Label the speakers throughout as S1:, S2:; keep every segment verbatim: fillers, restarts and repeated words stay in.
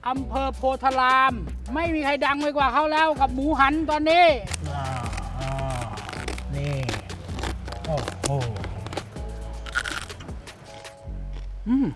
S1: อำเภอโพธารามไม่มีใครดังไปกว่าเขาแล้วกับหมูหันตอนนี้อ่าอ่านี่โอ้โหอืม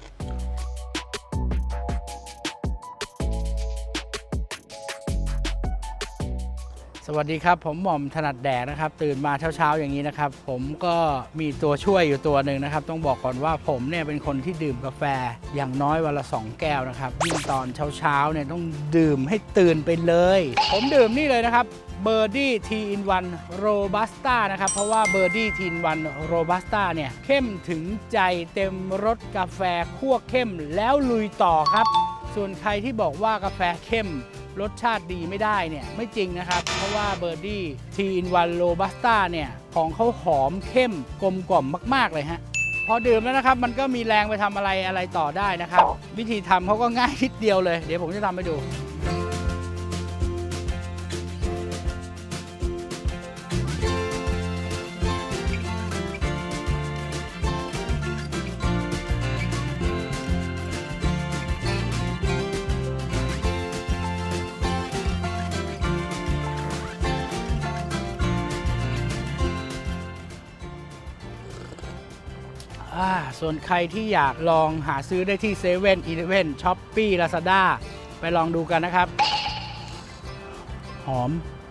S1: สวัสดีครับผมหม่อมถนัดแดกนะครับตื่นมาเช้าๆอย่างนี้นะครับผมก็มีตัวช่วยอยู่ตัวหนึ่งนะครับต้องบอกก่อนว่าผมเนี่ยเป็นคนที่ดื่มกาแฟอย่างน้อยวันละสองแก้วนะครับยิ่งตอนเช้าๆเนี่ยต้องดื่มให้ตื่นไปเลยผมดื่มนี่เลยนะครับเบอร์ดี้ทีอินวันโรบัสต้านะครับเพราะว่าเบอร์ดี้ทีอินวันโรบัสต้าเนี่ยเข้มถึงใจเต็มรสกาแฟคั่วเข้มแล้วลุยต่อครับส่วนใครที่บอกว่ากาแฟเข้มรสชาติดีไม่ได้เนี่ยไม่จริงนะครับเพราะว่าเบอร์ดี้ทีอินวันโรบัสต้าเนี่ยของเขาหอมเข้มกลมกล่อมมากๆเลยฮะพอดื่มแล้วนะครับมันก็มีแรงไปทำอะไรอะไรต่อได้นะครับวิธีทำเขาก็ง่ายนิดเดียวเลยเดี๋ยวผมจะทำให้ดูส่วนใครที่อยากลองหาซื้อได้ที่เซเว่นอีเลฟเว่นช้อปปี้ลาซาด้าไปลองดูกันนะครับหอม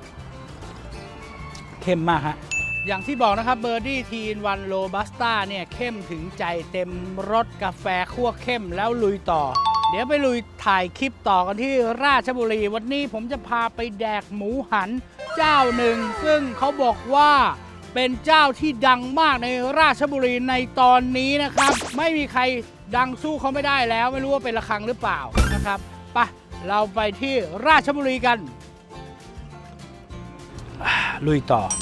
S1: เข้มมากฮะอย่างที่บอกนะครับเบอร์ดี้ทีนวันโรบัสต้าเนี่ยเข้มถึงใจเต็มรสกาแฟคั่วเข้มแล้วลุยต่อเดี๋ยวไปลุยถ่ายคลิปต่อกันที่ราชบุรีวันนี้ผมจะพาไปแดกหมูหันเจ้าหนึ่งซึ่งเขาบอกว่าเป็นเจ้าที่ดังมากในราชบุรีในตอนนี้นะครับไม่มีใครดังสู้เขาไม่ได้แล้วไม่รู้ว่าเป็นระฆังหรือเปล่านะครับไปเราไปที่ราชบุรีกันลุยต่อ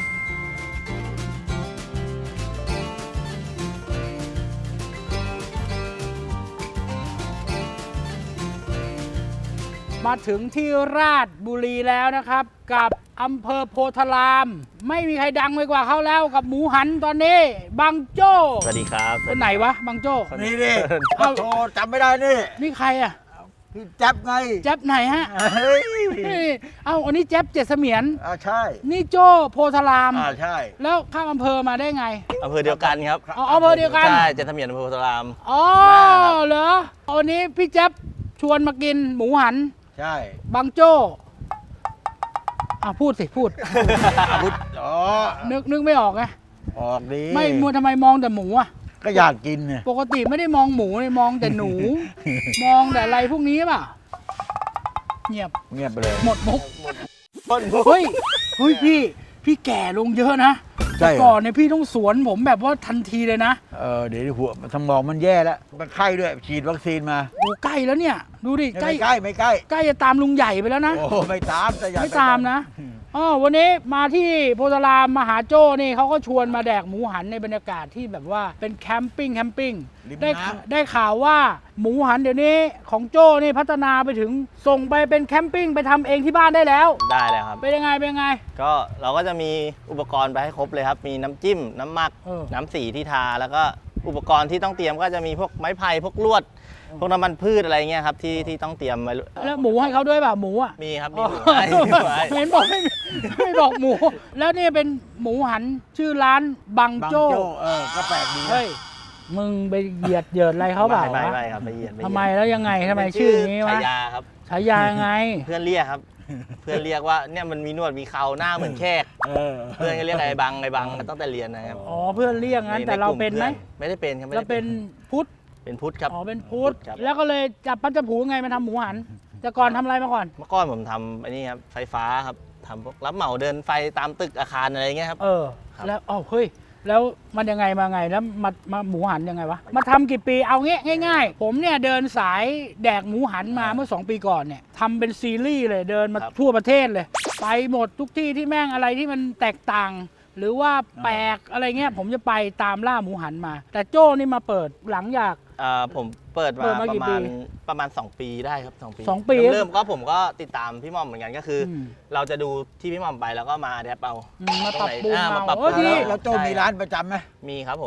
S1: มาถึงที่ราชบุรีแล้วนะครับกับอำเภอโพธารามไม่มีใครดังไปกว่าเขาแล้วกับหมูหันตอนนี้บังโจ้
S2: สวัสดีครับ
S1: คนไหนวะบังโจ้
S3: นี่ดิเอาโทรจำไม่ได้นี่
S1: นี่ใครอ่ะ
S3: พี่แจ๊บไง
S1: แจ๊บไหนฮะเฮ้ยเอ้าอันนี้แจ๊บเจ็ดเสมียน
S3: อ่าใช่
S1: นี่โจ้โพธาราม
S3: อ่าใช่
S1: แล้วข้ามอำเภอมาได้ไง
S2: อำเภอเดียวกันครับ
S1: อ๋ออำเภอเดียวกัน
S2: ใช่เจ็ดเสมียนอำเภอโพธาราม
S1: อ๋อเหรอวันนี้พี่แจ๊บชวนมากินหมูหัน
S3: ใช่
S1: บังโจ้อ่ะพูดสิพูด
S3: พูดอ๋อ
S1: นึกนึกไม่ออกไง
S3: ออกดี
S1: ไม่มัวทำไมมองแต่หมูอ่ะ
S3: ก็อยากกินเนี่ย
S1: ปกติไม่ได้มองหมูเลยมองแต่หนู มองแต่อะไรพวกนี้ป่ะเงียบ
S3: เงียบไปเลย
S1: หมดมุกเฮ้ยเฮ้ยพี่พี่แก่ลงเยอะนะแต่ก่อนเนี่ยพี่ต้องสวนผมแบบว่าทันทีเลยนะ
S3: เออเดี๋ยวหัวสมองมันแย่แล้วมันไข้ด้วยฉีดวัคซีนมา
S1: โอ้ใกล้แล้วเนี่ยดูดิ
S3: ใกล้ใกล้ไม่ใกล้
S1: ใกล้จะตามลุงใหญ่ไปแล้วนะ
S3: โอ้ไม่ตามแต่
S1: ไม่ตามนะอ๋อวันนี้มาที่โพธารามมหาโจ้นี่เขาก็ชวนมาแดกหมูหันในบรรยากาศที่แบบว่าเป็นแคมปิ้งแคมปิ้งได้ได้ข่าวว่าหมูหันเดี๋ยวนี้ของโจ้นี่พัฒนาไปถึงส่งไปเป็นแคมปิ้งไปทำเองที่บ้านได้แล้ว
S2: ได้เลยครับ
S1: เป็นยังไงเป็นยังไงก็
S2: เราก็จะมีอุปกรณ์ไปให้ครบเลยครับมีน้ำจิ้มน้ำหมักน้ำสีที่ทาแล้วก็อุปกรณ์ที่ต้องเตรียมก็จะมีพวกไม้ไผ่พวกลวดพวกน้ำมันพืชอะไรเงี้ยครับที่ที่ต้องเตรียมไว้
S1: แล้วหมูให้เขาด้วยป่ะหมูอ่ะ
S2: มีครับมีหมูให้
S1: เห็นบอกไม่ไม่บอกหมูแล้วนี่เป็นหมูหันชื่อร้านบังโจ้
S3: เออก็แปลกดี
S1: เฮ้ยมึงไปเหยียดเหยียดอะไรเขาเปล่า
S2: ไม่ไม่ครับไปเหยียด
S1: ทำไมแล้วยังไงทำไมชื่อนี้วะ
S2: ฉายาครับ
S1: ฉายาไง
S2: เพื่อนเรียกครับเพื่อนเรียกว่าเนี่ยมันมีหนวดมีเขาหน้าเหมือนแขกเพื่อนก็เรียกไอ้บังไอ้บังตั้งแต่เรียนนะครับ
S1: อ๋อเพื่อนเรียกงั้นแต่เราเป็นไหม
S2: ไม่ได้เป็นครับ
S1: เราเป็นพุทธ
S2: เป็นพุทธครับ
S1: อ๋อเป็นพุทธแล้วก็เลยจับปัจจุบันไงมาทำหมูหันแต่ก่อนทำอะไรมาก่อน
S2: เมื่อก่อนผมทำอันนี้ครับไฟฟ้าครับทำพวกรับเหมาเดินไฟตามตึกอาคารอะไรเงี้ยครับ
S1: เออแล้วอ๋อเฮ้ยแล้วมันยังไงมาไงแล้วมามาหมูหันยังไงวะมาทำกี่ปีเอางี้ง่ายๆผมเนี่ยเดินสายแดกหมูหันมาเมื่อสองปีก่อนเนี่ยทำเป็นซีรีส์เลยเดินมาทั่วประเทศเลยไปหมดทุกที่ที่แม่งอะไรที่มันแตกต่างหรือว่าแปลกอะไรเงี้ยผมจะไปตามล่าหมูหันมาแต่โจ้นี่มาเปิดหลังจาก
S2: อ่าผมเปิดมาประมาณประมาณสองปีได้ครับสองปี
S1: สองปี
S2: เริ่มก็ผมก็ติดตามพี่ม่อมเหมือนกันก็คือเราจะดูที่พี่ม่อมไปแล้วก็มาแดปเอา
S1: มาปรับปรุง
S2: มา
S1: ปรับปรุง
S3: แล้วโจ้มีร้านประจำไหม
S2: มีครับผม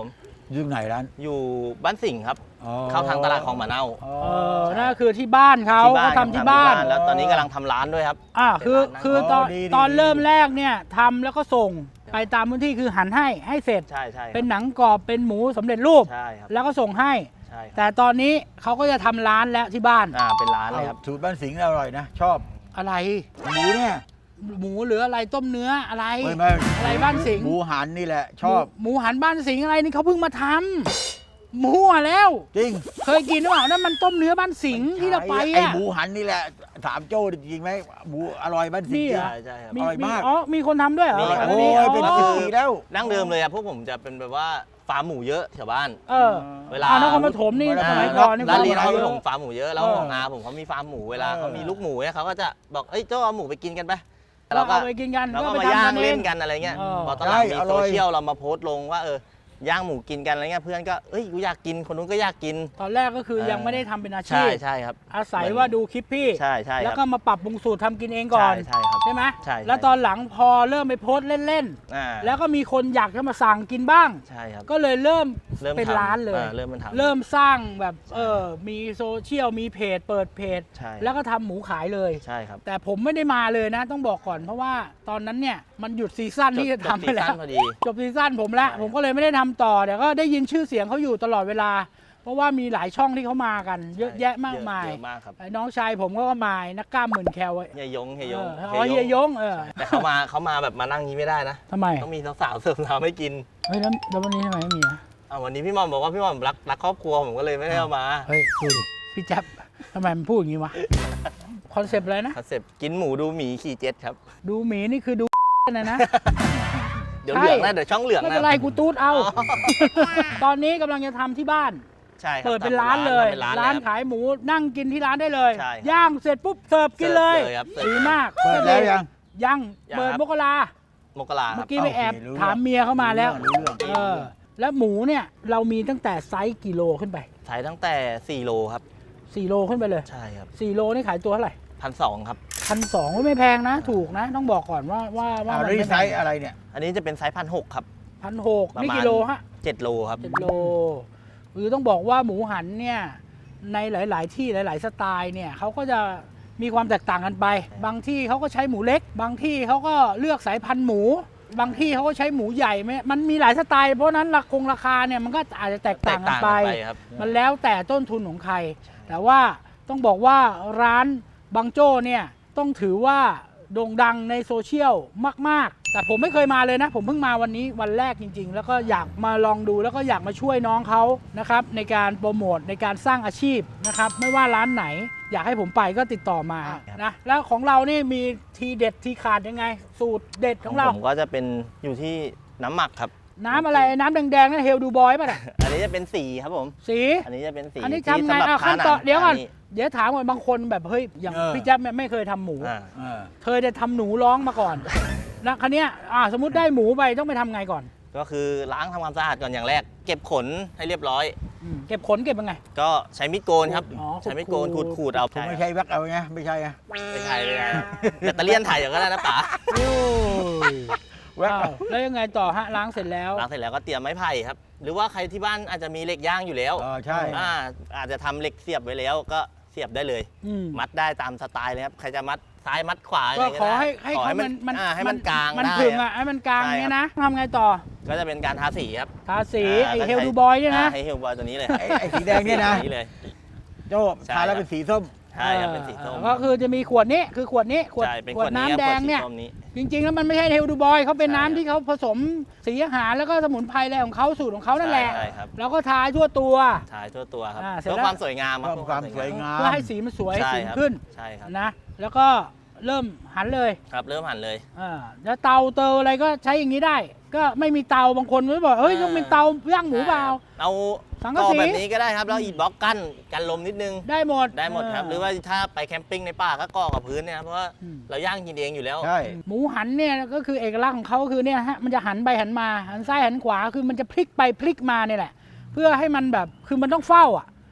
S3: อยู่ไหนร้าน
S2: อยู่บ้านสิงห์ครับ
S3: อ๋อ
S2: เข้าทางตลาดของมะเน่า
S3: อ๋อ
S1: เออนั่นคือที่บ้านเขา
S2: ที่บ้า
S1: เขา
S2: น
S1: ทำที่บ้าน
S2: แล้วตอนนี้กำลังทำร้านด้วยครับ
S1: อ่าคือ
S2: เป็นร้าน
S1: คือตอน
S3: อ๋อดีดี
S1: ตอน
S3: ดี
S1: เริ่มแรกเนี่ยทำแล้วก็ส่งไปตามพื้นที่คือหันให้ให้เสร็จ
S2: ใช่ใช่ครับ
S1: เป็นหนังกรอบเป็นหมูสำเร็จรูป
S2: ใช่ครับ
S1: แล้วก็ส่งให้
S2: ใช่ครับ
S1: แต่ตอนนี้เขาก็จะทำร้านแล้วที่บ้าน
S2: อ่าเป็นร้านเลยครับ
S3: สูตรบ้านสิงห์อร่อยนะ ชอบ
S1: อะไร
S3: หมูเนี่ย
S1: หมูหรืออะไรต้มเนื้ออะไร
S3: ไม่ไม่
S1: อะไรบ้านสิงห์
S3: หมูหันนี่แหละ ชอบ
S1: หมูหมูหันบ้านสิงห์อะไรนี่เขาเพิ่งมาทำหมูอ่ะแล้ว
S3: จริง
S1: เคยกินหรือเปล่านั่นมันต้มเนื้อบ้านสิงห์ที่เราไป
S3: ไอ้
S1: อ่ะ
S3: หมูหันนี่แหละ ถามโจ้จริงไหมหมูอร่อยบ้านสิงห์
S1: นี่
S3: จริ
S1: เห
S3: ง
S1: ร
S2: ใช่ใช่ครับ
S1: มี
S3: อร่อย
S1: มี
S3: มาก
S1: อ๋อมีคนทำด้วยเหรอ
S2: มีครับ
S3: โอ้
S1: นนี้
S3: ยเป็นสิบปีแล้ว
S2: ดั้งเดิมเลยครับพวกผมจะเป็นแบบว่าฟาร์มหมูเยอะแถวบ้าน
S1: เออ
S2: เวลา
S1: อ่านครปฐมนี่
S3: เวลา
S1: สมัยก่อนนี่
S2: ร้าน
S1: ฟ
S2: เรียน
S1: ร์ม
S2: เขา
S1: หมู
S2: ผ
S1: เย
S2: ม
S1: อะ
S2: ฟาร์มหมูเยอะแล้ว
S1: เออ
S2: ของอาผมเขามีฟาร์มหมูเวลา
S3: เออ
S2: เขามีลูกหมูเนี่ยเขาก็จะบอกเอ้ยเจ้าเอาหมูไปกินกันไป
S1: เรา
S2: เราก็
S1: เอาไปกินกัน
S2: เราก็
S1: ไป
S2: มา
S1: ทำ
S2: ย่าง
S1: กั
S2: เล่น
S1: อง
S2: กันอะไรเงี้ย
S1: เออ
S2: พอตอนหลัง
S3: ใช่
S2: มี
S3: อร่
S2: โซ
S3: อย
S2: เชียลเรามาโพสต์ลงว่าเออย่างหมูกินกันอะไรเงี้ยเพื่อนก็เอ้ยกูอยากกินคนนู้นก็อยากกิน
S1: ตอนแรกก็คือ
S2: เออ
S1: ยังไม่ได้ทำเป็นอาชี
S2: ใช่
S1: พ
S2: ใช่ครับ
S1: อาศัยว่าดูคลิปพี่
S2: ใช่ใช่
S1: แล้ว
S2: ค
S1: ก็
S2: รับ
S1: มาปรับปรุงสูตรทำกินเองก่อน
S2: ใช่ใช่ครับ
S1: ใช่ไหม
S2: ใช่ใช่
S1: แล้วตอนหลังพอเริ่มไปโพสต์เล่น
S2: อ่า
S1: ๆ แล้วก็มีคนอยากจะมาสั่งกินบ้าง
S2: ใช่ครับ
S1: ก็เลยเริ่ม
S2: เริ่ม
S1: เป็น
S2: ทำ
S1: ร้านเลย
S2: อ่เริ่มมันทำ
S1: เริ่มสร้างแบบเออมีโซเชียลมีเพจเปิดเพจ
S2: ใช่
S1: แล้วก็ทำหมูขายเลย
S2: ใช่ครับ
S1: แต่ผมไม่ได้มาเลยนะ ต้องบอกก่อนเพราะว่าตอนนั้นเนี่ยมันหยุดซีซั่นที่จะทำไปแล้ว
S2: จบซีซั่นพอดี
S1: จบซีซั่นผมแล้ว
S2: ใช่
S1: ผมก็เลยไม่ได้ทำต่อแต่ก็ได้ยินชื่อเสียงเขาอยู่ตลอดเวลา เพราะว่ามีหลายช่องที่เขามากัน เยอะแยะมากมาย
S2: เยอะมากครับ
S1: ไอ้น้องชายผมก็มานักกล้ามหมื่นแคลไว้
S2: เฮียยงเฮียยง
S1: เอออ๋อเฮียยงเออ
S2: แต่เขามาเขามาแบบมานั่งนี้ไม่ได้นะ
S1: ทำไม
S2: ต้องมีสาวๆเสิร์ฟน้ำให้กิน
S1: เฮ้ยแล้วแล้ววันนี้ทำไมไม่มีอ่ะ
S2: อ่าวันนี้พี่หมอมบอกว่าพี่หมอมรักรักครอบครัวผมก็เลยไม่ได้เอามา
S1: เฮ้ยดูดิพี่แจ๊บทำไมมันพูดอย่างนี้วะคอนเซปต์อะไรนะ
S2: คอนเซ็ปต์กินหมูดูหมีขี่เจ็ตครับ
S1: ดูหมีนี่คือดู นะนะ
S2: เดี๋ยว
S1: ใช่
S2: เหลืองนะเดี๋ยวช่องเหลือง
S1: ไม่
S2: นะ
S1: เป็นไรกูตูดเอา ตอนนี้กำลังจะทำที่บ้าน
S2: ใช่ครับ
S1: เปิดเป็นร้านเลย
S2: ทำเป็นร้าน
S1: ร้าน
S2: เลยครับ
S1: ขายหมูนั่งกินที่ร้านได้เลย
S2: ใช่ครับ
S1: ย่างเสร็จปุ๊บเสิร์ฟกินเลย
S2: เสิร์ฟเลยครับเสิร์ฟ
S1: ดีมาก
S3: เปิดแล้วยัง
S1: ยัง
S2: ยัง
S1: เปิด
S2: ครับ
S1: มกรา
S2: มกราค
S1: เมื่
S2: รั
S1: อบ กี้ไปแอบ
S3: โอเครู้เรื่อง
S1: ถามเมียเข้ามาแล้ว
S3: รู้เรื่อง
S1: เออแล้วหมูเนี่ยเรามีตั้งแต่ไซส์กิโลขึ้นไป
S2: ใช้ตั้งแต่สี่โลครับ
S1: สี่โลขึ้นไปเลย
S2: ใช่ครับ
S1: สี่โลนี่ขายตัวเท่าไหร่
S2: พันสองครับ
S1: พันสองไม่แพงนะ ถูกนะ ต้องบอกก่อนว่าว่าว่า
S3: อ่า
S1: มัน
S3: แล้ว
S1: ไม่
S3: นี่ไซส์อะไรเนี่ย
S2: อันนี้จะเป็นไซส์พันหกครับ
S1: พันหก
S2: ประมาณ
S1: นี่กิโลฮะ
S2: เจ็ดโลครับ
S1: เจ็ดโลคือต้องบอกว่าหมูหันเนี่ยในหลาย ๆ ที่หลาย ๆ สไตล์เนี่ยเขาก็จะมีความแตกต่างกันไป บางที่เขาก็ใช้หมูเล็ก บางที่เขาก็เลือกสายพันธุ์หมู บางที่เขาก็ใช้หมูใหญ่ไม่มันมีหลายสไตล์เพราะฉะนั้นราคงราคาเนี่ยมันก็อาจจะแตก
S2: แต
S1: ต่าง
S2: ก
S1: กัน
S2: ต่าง
S1: ไป
S2: กันไปครับ
S1: มันแล้วแต่ต้นทุนของใคร แต่ว่าต้องบอกว่าร้านบางโจ้เนี่ยต้องถือว่าโด่งดังในโซเชียลมาก ๆ แต่ผมไม่เคยมาเลยนะ ผมเพิ่งมาวันนี้วันแรกจริง ๆ แล้วก็อยากมาลองดูแล้วก็อยากมาช่วยน้องเขานะครับในการโปรโมทในการสร้างอาชีพนะครับไม่ว่าร้านไหน อยากให้ผมไปก็ติดต่อมา
S2: ครับ
S1: นะแล้วของเรานี่มีทีเด็ดทีขาดยังไง สูตรเด็ดของเรา
S2: ผมก็จะเป็นอยู่ที่น้ำหมักครับ
S1: น้ำอะไรน้ำแดงๆนั่นเฮลดูบอยป่ะเนี่ย
S2: อันนี้จะเป็นสีครับผม
S1: สี
S2: อันนี้จะเป็นสี
S1: อันนี้
S2: ที่
S1: ทำไง
S2: สำหรับ
S1: อ่ะ
S2: ทา
S1: ขั้น
S2: หนั
S1: ตอนเดี๋ยวก่อน
S2: นี้
S1: เดี๋ยวถามก่อนบางคนแบบเฮ้ยอย่าง
S3: เออ
S1: พี่แจ๊บเนี่ยไม่เคยทำหมู
S2: อ่า
S3: เออ
S1: เคยจะทำหนูร้องมาก่อน แล้วคันนี้ยอ่าสมมติได้หมูไปต้องไปทำไงก่อน
S2: ก็คือล้างทำความสะอาดก่อนอย่างแรก เก็บขนให้เรียบร้อย
S1: อืมเก็บขนเก็บยังไง
S2: ก็ใช้มีดโกนครับ
S1: อ๋อ
S2: ใช้มีดโกน
S1: ขู
S2: ขู
S1: ด
S2: ด
S1: ๆ
S2: ขูดเอา
S3: ผมไม่ใช่แว็กเอาไงไม่ใช่อะ
S2: ไม่ใช่ไม่ใช่ครับแบตเตอรี่ยนถ่ายอย่างก็ได้นะป๋า
S1: โอ้ย
S3: แว็ก
S1: อ้าวแล้วยังไงต่อฮะล้างเสร็จแล้ว
S2: ล้างเสร็จแล้วก็เตรียมไม้ไผ่ครับ หรือว่าใครที่บ้านอาจจะมีเหล็กย่างอยู่แล้ว
S3: เออใช่
S2: อ่าอาจจะทำเหล็กเสียบไว้แล้วก็เสียบได้เลย
S1: อืม
S2: มัดได้ตามสไตล์เลยครับใครจะมัดซ้ายมัดขวา
S1: ก็
S2: ยังไง
S1: ขอ
S2: ได้
S1: ให้ให้
S2: ขอ
S1: เขา
S2: ให้
S1: มั
S2: มัน น
S1: มัน
S2: อ่าให้มันกลาง
S1: มัน
S2: ได้
S1: ถึง
S2: ครั
S1: อ่ะ
S2: บ
S1: ให้มันกลาง
S2: ใช่
S1: เนี้ย
S2: ครับ
S1: นะทำไงต่อ
S2: ก็จะเป็นการทาสีครับ
S1: ทาสี
S2: า
S1: ไอ
S2: ก็
S1: เฮล
S2: ใช้
S1: ดูบอยเนี่ยนะ
S2: าให้เฮลบอยตัวนี้เลย
S3: ไอ้ไอ้สีแดงเนี่ยนะ
S2: สีเลย
S3: โจ้
S2: ใช่
S3: ทาแล้ว
S2: ครับ
S3: เป็นสีส้ม
S2: ใช่ครับเป็นสีส้ม
S1: เออก็คือจะมีขวดนี้คือขวดนี้ขวด
S2: ใช่เป็น
S1: ข
S2: ข
S1: ว
S2: ว
S1: ด
S2: ดนี้
S1: น้ำแดงเนี่ย
S2: ขวสีส้มนี้
S1: จริงๆแล้วมันไม่ใช่เฮลดูบอยเขาเป็น
S2: ใช่
S1: น้ำที่เขาผสมสีอาหารแล้วก็สมุนไพรอะไรของเขาสูตรของเขานั่นแหละ
S2: ใช่ครับ
S1: แล้วก็ทาทั่วตัว
S2: ถ่ายทั่วตัวครับ
S1: อ่าเสร็จ
S2: เพื่อ
S1: แล้ว
S2: ความสวยงามครับ
S3: เพิ่มความสวยงาม
S1: เพื่อให้สีมันสวย
S2: ใช่
S1: สี
S2: ครับ
S1: ขึ้น
S2: ใช่ครับ
S1: นะแล้วก็เริ่มหันเลย
S2: ครับเริ่มหั่นเลย
S1: อ่าแล้วเตาเตาอะไรก็ใช้อย่างนี้ได้ ก็ไม่มีเตาบางคนก็บอกเฮ้ย
S2: อ่า
S1: ต้องเป็นเตาย่างหมูเปล่า
S2: เอา
S1: สังกะ
S2: ก่อ
S1: สี
S2: แบบนี้ก็ได้ครับแล้วอีทบล็อกกั้นกันลมนิดนึง
S1: ได้หมด
S2: ได้หมดครับ
S1: เ
S2: หรือว่าถ้าไปแคมปิ้งในป่าก็ก่อกับพื้นเนี่ยครับเพราะว่า
S1: อืม
S2: เราย่างกินเองอยู่แล้ว
S3: ใช่
S1: หมูหันเนี่ยก็คือเอกลักษณ์ของเขาก็คือเนี่ยฮะมันจะหันไปหันมาหันซ้ายหันขวาคือมันจะพลิกไปพลิกมาเนี่ยแหละ เพื่อให้มันแบบคือมันต้องเฝ้าอ่ะ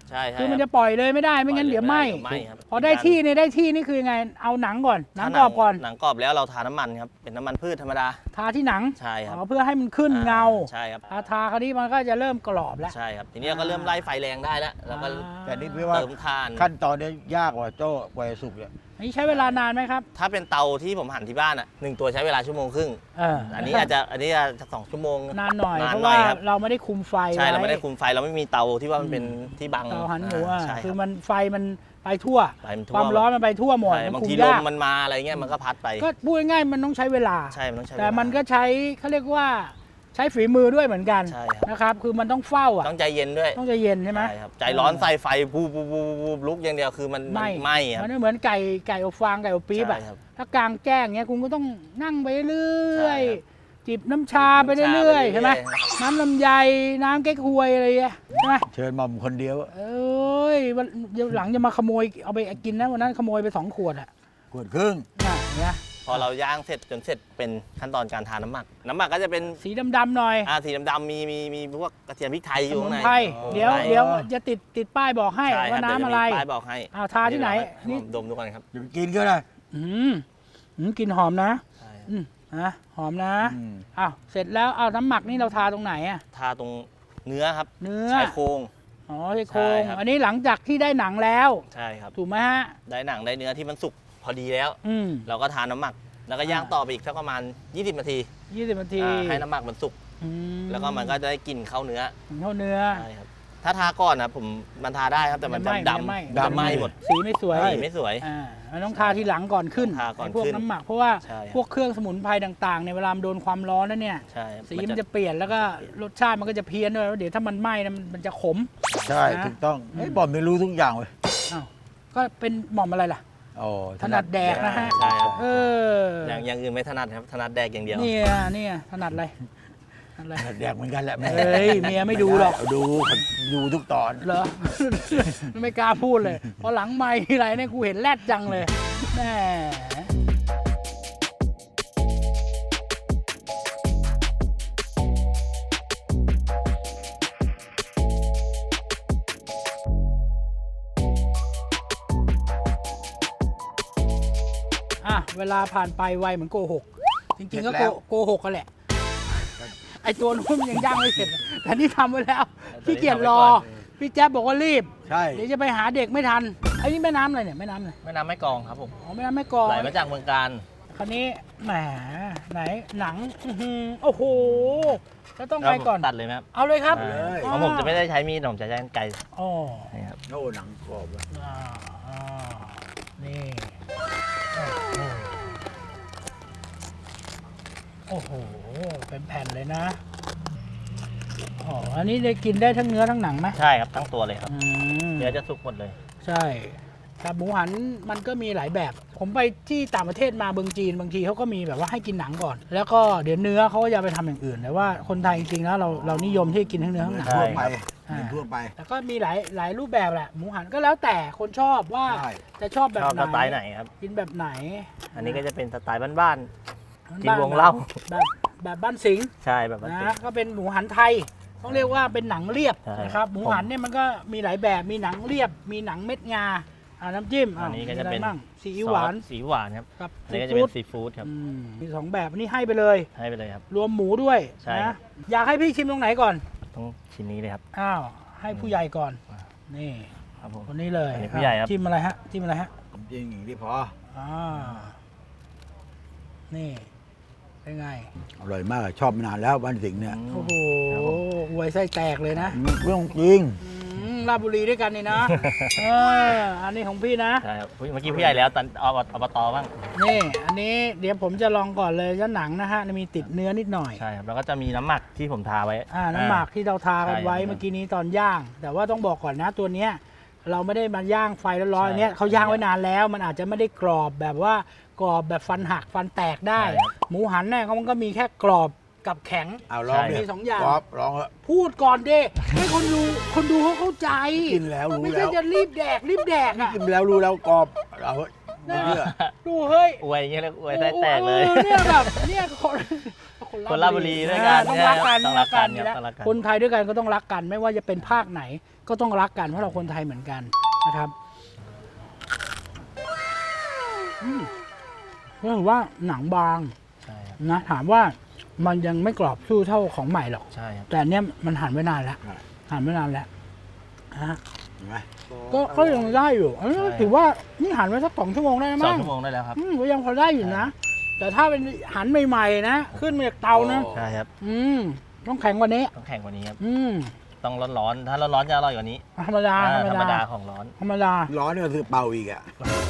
S2: ใช่ใช่
S1: คือมันจะปล่อยเลยไม่ได้ไม่งั้นเดี๋ยวไหม้
S2: ไหม้ครับ
S1: พอได้ที่เนี่ยได้ที่นี่คือยังไงเอาหนังก่อนหนังกรอบก่อน
S2: หนังกรอบแล้วเราทาน้ำมันครับเป็นน้ำมันพืชธรรมดา
S1: ทาที่หนัง
S2: ใช่ครับ
S1: อ๋อเพื่อให้มันขึ้นเงา
S2: ใช่ครับ
S1: ทาทาคราวนี้มันก็จะเริ่มกรอบแล้ว
S2: ใช่ครับทีนี้เราก็เริ่มไล่ไฟแรงได้แล้วแล้วก็
S3: แต่นี่พี่ว่า
S2: เติมทาน
S3: ขั้นตอนเนี้ยยากกว่าโจ้กว่าจะสุกเนี่ย
S1: อันนี้ใช้เวลานานไหมครับ
S2: ถ้าเป็นเตาที่ผมหั่นที่บ้านอ่ะหนึ่งตัวใช้เวลาชั่วโมงครึ่ง
S1: เออ
S2: อันนี้อาจจะอันนี้อาจจะสองชั่วโมง
S1: นานหน่อย
S2: นาน
S1: เพราะ
S2: หน่อ
S1: ว่าย
S2: ครับ
S1: เราไม่ได้คุมไฟ
S2: ใช่เรา
S1: ว้
S2: ไม่ได้คุมไฟเราไม่มีเตาที่ว่ามันเป็นที่บัง
S1: เตาหันหมูอ่ะ
S2: ใช่
S1: คือ
S2: รับ
S1: มันไฟมันไปทั่ว
S2: ไฟมัน
S1: ค
S2: ทั่
S1: วามร้อนมันไปทั่วหมด
S2: ใช่
S1: มัน
S2: บาง
S1: คุม
S2: ทีลม
S1: ยาก
S2: มันมาอะไรเงี้ยมันก็พัดไป
S1: ก็พูดง่ายๆมันต้องใช้เวลา
S2: ใช่มันต้องใช้
S1: แต่
S2: เวลา
S1: มันก็ใช้เขาเรียกว่าใช้ฝีมือด้วยเหมือนกัน
S2: ใช่ครับ
S1: นะครับ คือมันต้องเฝ้าอ่ะ
S2: ต้องใจเย็นด้วย
S1: ต้องใจเย็นใช่ไหม
S2: ใช่ครับใจร้อนใส่ไฟปูปูปูปูลุกอย่างเดียวคือมัน
S1: ไหม้
S2: ไหม้ครับ
S1: มันไม่เหมือนไก่ไก่อบฟางไก่อบปี๊บอ่ะ
S2: ใช่ครับ
S1: ถ้ากลางแจ้งเงี้ยคุณก็ต้องนั่งไปเรื่อย
S2: ใช่ครับ
S1: จิบน้ำชาไปเรื่อยๆใช่ไหม
S2: ครับ
S1: น้ำลำไยน้ำเก๊กฮวยอะไรเงี้ยใช่ไหม
S3: เชิญหม่อมคนเดียวอะ
S1: เอ้ยวันเดี๋ยวหลังจะมาขโมยเอาไปกินนะวันนั้นขโมยไปสองขวดอ่ะ
S3: ขวดครึ่ง
S1: น่ะเนี่ย
S2: พอเราย่างเสร็จจนเสร็จเป็นขั้นตอนการทาน้ำหมัก น้ำหมักก็จะเป็น
S1: สีดำๆหน่อย
S2: อ่าสีดำๆมีมีมีพวกกระเทียมพริกไทยอ
S1: ส
S2: ยู่
S1: มุ
S2: ข้าง
S1: น
S2: ใน
S1: ไพรเดี๋ยว
S2: ใช่
S1: เดี๋ยวจะติดติดป้ายบอกให้
S2: ใช่ค
S1: ว่า
S2: บ
S1: น้ำ
S2: เดี๋ยวจ
S1: อะไร
S2: มีป้ายบอกให้
S1: อ้าวทาที่ไหน
S2: นี่
S1: นี่
S2: ดมดูก่อนครับ
S3: เดี๋ยวไปกินก็ได้
S1: อืมอืมกลินหอมนะ
S2: ใช่ครับ
S1: อืมนะหอมนะ
S3: อืม
S1: อ้าวเสร็จแล้วเอาน้ำหมักนี่เราทาตรงไหนอ่ะ
S2: ทาตรงเนื้อครับ
S1: เนื้อ
S2: ชายโครง
S1: อ๋อใช่โครง
S2: ใช่ครับ
S1: อันนี้หลังจากที่ได้หนังแล้ว
S2: ใช่ครับ
S1: ถูกไหมฮะ
S2: ได้หนังได้เนื้อที่มันสุกพอดีแล้ว
S1: อืม
S2: เราก็ทาน้ำหมัก แล้วก็ย่าง
S1: อ่า
S2: ต่อไปอีกสักประมาณ ยี่สิบ นาที
S1: ยี่สิบนาที
S2: อ่าให้น้ำหมักมันสุก
S1: อื
S2: แล้วก็มันก็จะได้กลิ่นเข้าเนื้อ
S1: เข้าเนื้อ
S2: ใช่ครับถ้าทาก่อนนะผมมันทาได้ครับแต่มัน
S1: ไม่
S2: ดำ
S1: ไหม้
S2: ดำมันจะไหม้หมด
S1: สีไม่สวย
S2: สีไม่สวย
S1: อ่ามันต้องทาทีหลังก่อนขึ้น
S2: ทาก่อน
S1: ไอ้พวก
S2: ขึ้น
S1: น้ำหมักเพราะว่า
S2: ใช่ครับ
S1: พวกเครื่องสมุนไพรต่างๆในยเวลามันโดนความร้อนแล้วเนี่ย
S2: ใช่ครับ
S1: สีมันจะเปลี่ยนแล้วก็รสชาติมันก็จะเพี้ยนด้วยแล้วเดี๋ยวถ้ามันไหม้นะมันมันจะขม
S3: ใช่
S1: นะ
S3: ถูกต้องไอ้ยบอมไม่รู้ทุกอย่างเลย
S1: อ้าวก็เป็นหม่อมอะไรล่ะ
S3: โอ้
S1: ถนัดแดกนะฮะ
S2: ใช่ครับ
S1: เออ
S2: อย่างอย่างอื่นไม่ถนัดครับถนัดแดกอย่างเดียว
S1: เนี่ยเนี่ยถนัดอะไรถนัดอะไร
S3: ถนัดแดกเหมือนกันแหละแม่
S1: เฮ้ยเมียไม่ดูหรอก
S3: ดูดูทุกตอน
S1: เหรอ ไม่กล้าพูดเลยเพราะหลังไม่ทีไรเนี่ยกูเห็นแรดจังเลยแหมอ่ะเวลาผ่านไปไวเหมือนโกหก จริงๆก็โกโกหกกันแหละ ไอตัวนู้นมันยังย่างไม่เสร็จ แต่นี่ทำไว้แล้วพี่เกียรรอ พี่แจ๊บบอกว่ารีบ
S3: ใช่
S1: เดี๋ยวจะไปหาเด็กไม่ทันไอ้นี่แม่น้ำอะไรเนี่ยแม่น้ำอะไร
S2: แม่น้ำแม่กลองครับผม
S1: อ๋อแม่น้ำแม่กลอง
S2: ไหลมาจากเมืองการ
S1: คันนี้แหมไหนหนังอื้อหือโอ้โหแล้วต้องไงก่อน
S2: ตัดเลยไหมครับ
S1: เอาเลยครับ
S2: อ่าเพราะผมจะไม่ได้ใช้มีดผมจะใช้กรรไกร
S1: อ๋อ
S2: นี่ครับ
S3: โอ้หนังกรอบเลย
S1: อ่าอ่านี่โอ้โหเป็นแผ่นเลยนะอ๋ออันนี้ได้กินได้ทั้งเนื้อทั้งหนังไหม
S2: ใช่ครับตั้งตัวเลยครับ
S1: อืม
S2: เนื้อจะสุกหมดเลย
S1: ใช่แต่หมูหันมันก็มีหลายแบบ ผมไปที่ต่างประเทศมาเมืองจีนบางทีเขาก็มีแบบว่าให้กินหนังก่อน แล้วก็เดี๋ยวเนื้อเขาก็จะไปทำอย่างอื่น แต่ว่าคนไทยจริงๆแล้วเราเรานิยมที่กินทั้งเนื้อทั้งหนัง
S2: ใช่
S3: ทั่วไป
S1: อ่า
S3: เหมือนทั่วไป
S1: แล้วก็มีหลายหลายรูปแบบแหละ หมูหันก็แล้วแต่คนชอบว่า
S3: ใช่
S1: จะชอบแบบ
S2: ชอบ
S1: ไหน
S2: สไตล์ไหนครับ
S1: กินแบบไหน
S2: อันนี้ก็จะเป็นสไตล์บ้าน กิน
S1: บ้
S2: วงเล่า
S1: แบบแบบบ้านสิงห์
S2: ๆ ใช่แบบบ้าน
S1: นะก็เป็นหมูหันไทย ต้องเรียกว่าเป็นหนังเรียบ
S2: ใช่
S1: นะครับหมูหันเนี่ยมันก็มีหลายแบบมีหนังเรียบ มีหนังเม็ดงาอ่าน้ำจิ้ม
S2: อันนี้ก็จะ
S1: มีอไร
S2: เป็น
S1: บ้างซีอิ๊วหวาน
S2: ซอสสีหวานครับ
S1: กับ
S2: อันนี้ก็จะ
S1: ซี
S2: เป็
S1: ฟู้ด
S2: นซีฟู้ดครับ
S1: อืมมีสองแบบอันนี้ให้ไปเลย
S2: ให้ไปเลยครับ
S1: รวมหมูด้วย
S2: ใช่
S1: นะอยากให้พี่ชิมตรงไหนก่อน
S2: ต้องชิ้นนี้เลยครับ
S1: อ้าวให้ผู้ใหญ่ก่อน นี่
S2: ครับผม
S1: คนนี้เลย
S2: อันนี้ผู้ใหญ่ครับ
S1: จิ้มอะไรฮะจิ้มอะไรฮะ
S3: จริงอย่างที่พอ
S1: อ่านี่เป็นไง
S3: อร่อยมากชอบมานานแล้วบ้านสิงห์เนี่ย
S1: โอ้โหอวยไส้แตกเลยนะ
S3: เรื่องจริง
S1: อืมราชบุรีด้วยกันนี่นะ เอออันนี้ของพี่นะ
S2: ใช่ครับเมื่อกี้ผู้ใหญ่แล้วตอนอบอบตบ้าง
S1: นี่ อันนี้เดี๋ยวผมจะลองก่อนเลยจะหนังนะฮะมีติดเนื้อนิดหน่อย
S2: ใช่ครับแล้วก็จะมีน้ำหมักที่ผมทาไว้
S1: อ่าน้ำหมักที่เราทากันไว้
S2: ใช่ครับ
S1: เมื่อกี้นี้ตอนย่าง แต่ว่าต้องบอกก่อนนะตัวเนี้ยเราไม่ได้มาย่างไฟร้อนๆ
S2: ใช่
S1: อันเนี้ยเขาย่างไว้นานแล้ว มันอาจจะไม่ได้กรอบแบบว่ากรอบแบบฟันหักฟันแตกได้
S2: ใช่ครับ
S1: หมูหันเนี่ยมันก็มีแค่กรอบกับแข็ง
S3: เอาลอง
S2: ใช่
S3: ดิ
S1: มีสองอย่าง
S3: กรอบลองเถอะ
S1: พูดก่อนดิให้คนดูคนดูเขาเข้าใจ
S3: กินแล้วรู้
S1: ไม่
S3: แล้
S1: ใช่
S3: ว
S1: จะรีบแดกรีบแดกอ่ะ
S3: กินแล้วรู้แล้วกรอบเอาเถอะไม่เชื่อ
S1: ดูเฮ้ย
S2: อวยอย่างเงี้ยเลยอวยไส้แตกเลย
S1: ออเนี่ยแบบเนี่ยคนค
S2: คนราชบุรีด้วยกัน
S1: ต้องรักกัน
S2: ต้องรักกัน
S1: อยู่แล้ว
S2: ต้องรักกัน
S1: คนไทยด้วยกันก็ต้องรักกัน ไม่ว่าจะเป็นภาคไหนก็ต้องรักกันเพราะเราคนไทยเหมือนกันนะครับอืมก็ถือว่าหนังบาง
S2: ใช่ครับ
S1: นะถามว่ามันยังไม่กรอบสู้เท่าของใหม่หรอก
S2: ใช่ครับ
S1: แต่อันเนี้ยมันหั่นไว้นานแล้ว
S3: ใช่
S1: หั่นไว้นานแล้วนะฮะ
S3: เห็นไหม
S1: ก็ก็ยังได้อยู่อันนี้ถือว่านี่หั่นไว้สักสองชั่วโมงได้
S2: สอง
S1: มั้ง
S2: ชั่วโมงได้แล้วครับ
S1: อืมก็ยังพอได้อยู่นะ แต่ถ้าเป็นหั่นใหม่ๆนะขึ้นมาจากเตานะ
S2: ใช่ครับ
S1: อืมต้องแข็งกว่านี้
S2: ต้องแข่งกว่านี้ครับ
S1: อืม
S2: ต้องร้อนๆถ้าร้อนๆจะอร่อยกว่านี้
S1: ธรรมดา
S2: อ่า
S1: ธรรม
S2: ธรรม
S1: ดา
S2: ดาของร้อน
S1: ธรรมดา
S3: ร้อนเนี่ยคือเป่าอีกอ่ะ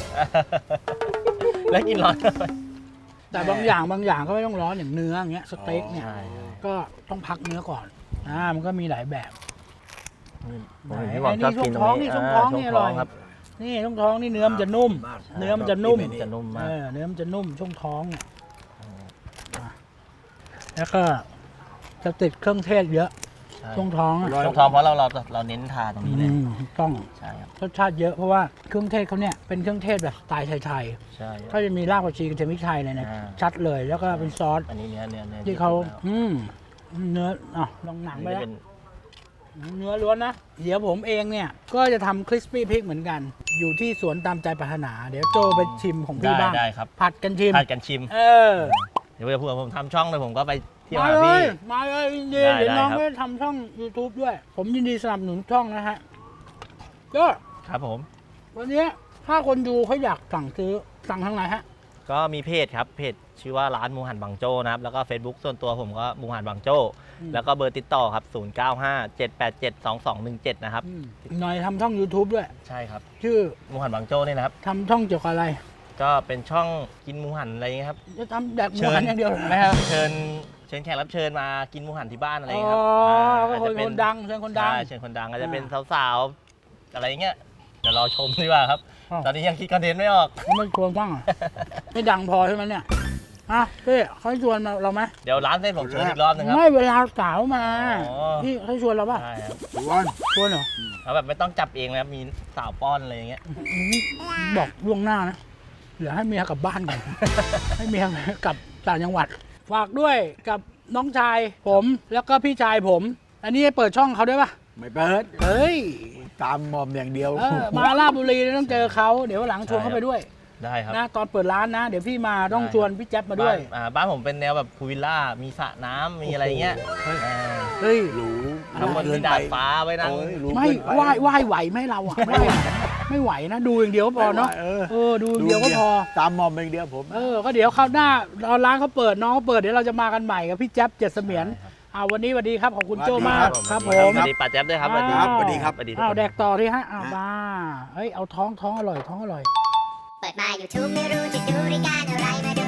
S2: แล้วกินร้อน
S1: แต่บางอย่างบางอย่างก็ไม่ต้องร้อนอย่างเนื้ออย่างเงี้ยสเต็กเนี่ย
S2: ใช่ใช่
S1: ก็ต้องพักเนื้อก่อนอ่ามันก็มีหลายแบบ
S2: ผมเห็นพี่บอกชอบกินตรงนี้
S1: ช่วงท้องนี่
S2: า
S1: ช่วงท้องนี่อร่อย
S2: ครับ
S1: นี่ช่วงท้องนี่เนื้อมันจะนุ่ม เนื้อมันจะนุ่ม
S2: จะนุ่มมา
S1: เอก อเนื้อมันจะนุ่มช่วงท้องเนี่ยอ่ะแล้วก็จะติดเครื่องเทศเยอะ
S2: ใช่
S1: ช่วงท้องอ่ะ
S2: ช่วงท้องเพราะเราเราเราเน้นทาตรงนี้เลย
S1: อืมถูกต้อง
S2: ใช่ครับ
S1: รสชาติเยอะเพราะว่าเครื่องเทศเขาเนี่ยเป็นเครื่องเทศแบบสไตล์ไทย
S2: ใช่ค
S1: ๆ
S2: รั
S1: ก็
S2: บ
S1: จะมีรากผักชีกระเทียมพริกไทยเลยนะ
S2: อ่า
S1: ชัดเลยแล้วก็เป็นซอส
S2: อันนี้เนื้อเนื้อเนื้อ
S1: ที่เขา
S2: แล้ว
S1: อืมเนื้ออ่ะลองหนั
S2: อั
S1: ง
S2: น
S1: ไป
S2: นี้
S1: แล้ว
S2: เป็น
S1: เนื้อล้วนนะ เดี๋ยวผมเองเนี่ย ก็จะทำคริสปี้พริกเหมือนกัน อยู่ที่สวนตามใจปรารถนา เดี๋ยวโจไปชิมของพี่
S2: ได้
S1: บ้าง
S2: ได้ครับ
S1: ผัดกันชิม
S2: ผัดกันชิม
S1: เออ
S2: เดี๋ยวเผื่อผมทำช่องเลยผมก็ไปเที่ยว
S1: มา
S2: หา
S1: เล
S2: พี่
S1: ย มาเลยยินดี
S2: ได้
S1: เดี๋ยวน้อง
S2: ได้ครับ
S1: ไปทำช่อง YouTube ด้วย ผมยินดีสนับสนุนช่องนะฮะก็
S2: ครับผม
S1: วันนี้ถ้าคนดูเขาอยากสั่งซื้อสั่งทางไหนฮะ
S2: ก็มีเพจครับเพจชื่อว่าร้านหมูหันบางโจ้นะครับแล้วก็ Facebook ส่วนตัวผมก็หมูหันบางโจ้
S1: อืม
S2: แล้วก็เบอร์ติดต่อครับ ศูนย์ เก้า ห้า เจ็ด แปด เจ็ด สอง สอง หนึ่ง เจ็ด นะครับ
S1: อืมหน่อยทำช่อง YouTube ด้วย
S2: ใช่ครับ
S1: ชื่อ
S2: หมูหันบางโจ้นี่นะครับ
S1: ทำช่องเกี่ยวกับอะไร
S2: ก็เป็นช่องกินหมูหันอะไรเงี้ยครับ
S1: จะทำแดกหมูหันอย่างเดียวเหรอ
S2: ไม่ครับเชิญเชิญแขกรับเชิญมากินหมูหันที่บ้านอะไร
S1: อ๋
S2: เงี้ยครับ
S1: อ
S2: า
S1: ก็
S2: อาจ
S1: ค
S2: จะ
S1: น
S2: เป็
S1: คนดังเชิญคนดัง
S2: ใช่เชิญคนดังอาจจะเป็น
S1: อ่า
S2: สาวๆอะไรเงี้ยเดี๋ยวรอชมดีกว่าครับ
S1: อ้าว
S2: ตอนนี้ยังคิดคอนเทนต์ไม่ออก
S1: เขาไม่ชวนบ้างเหรอ ไม่ดังพอใช่ไหมเนี่ยฮะพี่เขาชวนมาเราไหม
S2: เดี๋ยวร้านเส้นผมเชิญอีกรอบนึงครับ
S1: ไม่เวลาสาวมา
S2: อ๋อ
S1: พี่เขาชวนเราป่ะ
S2: ใช่ครับ
S3: ชวน
S1: ชวนเหรอ
S2: เอาแบบไม่ต้องจับเองนะครับมีสาวป้อนอะไรอย่างเงี้ย
S1: อืมบอกล่วงหน้านะเดี๋ยวให้เมียกลับบ้านก่อน ให้เมียกลับต่างจังหวัด ฝากด้วยกับน้องชายผมแล้วก็พี่ชายผม อันนี้เปิดช่องเขาด้วยป่ะ
S3: ไม่เปิด
S1: เฮ้ย
S3: ตามมอมอย่างเดียว
S1: เออมาลาดบุรีต้องเจอเขาเดี๋ยวหลังชวนเขาไปด้วย
S2: ได้ครับ
S1: นะตอนเปิดร้านนะ เดี๋ยวพี่มาต้อง
S2: ได้
S1: ชวนพี่แจ๊บมาด้วย
S2: บ้นอ่าบ้านผมเป็นแนวแบบพูลวิลล่ามีสระน้ำมีอะไรเงี้ยอ่า
S1: เฮ้ย
S3: หรู
S2: ข้างบนมีดาดฟ้าไว้นั่ง
S3: โอ้ยหรู
S1: ไม่
S3: เกินป
S1: ไหวไหวไหวไหมเราอ่ะไม่ไหวไม่ไหวนะ ดูอย่างเดียวก็พอเนาะ
S3: เออ
S1: เออดูอย่างเดียวก็พอ
S3: ตามมอมอย่างเดียวผม
S1: เออก็เดี๋ยวคราวหน้าตอนร้านเขาเปิดน้องเขาเปิดเดี๋ยวเราจะมากันใหม่กับพี่แจ๊บเจ็ดเสมียนอ่าวันนี้สวัสดีครับขอบคุณโจมากครับผม
S2: สวัสดีป้าแจ๊บด้วยครับสวัสดี
S3: ครับสวัสดีครับ
S2: สวัสดีทุก
S1: อ้าว
S2: คน
S1: แดกต่อที่ฮะอ้าวมาเฮ้ยเอาท้องท้องอร่อยท้องอร่อย
S4: เปิดมา YouTube ไม่รู้จะดูรายการอะไรมา